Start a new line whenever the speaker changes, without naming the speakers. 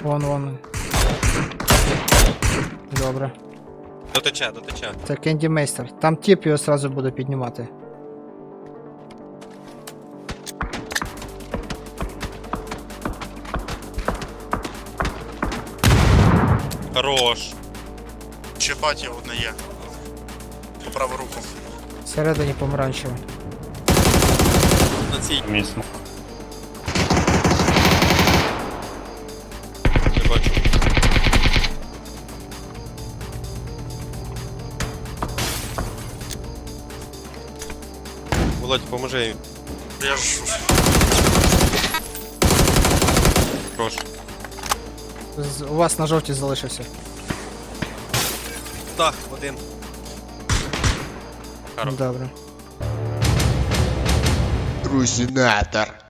Вон. Добре.
Дотече.
Це Кенді Мейстер. Там тип його сразу буде піднімати.
Хорош.
Ще паті одне є. По праву руку.
Всередині помаранчево.
На цій.
Місно.
Не бачу. Володь, поможи їм.
Я ж
Хорош.
У вас на жовті залишився.
Так, один. Хорош.
Добре.
Трусинатор.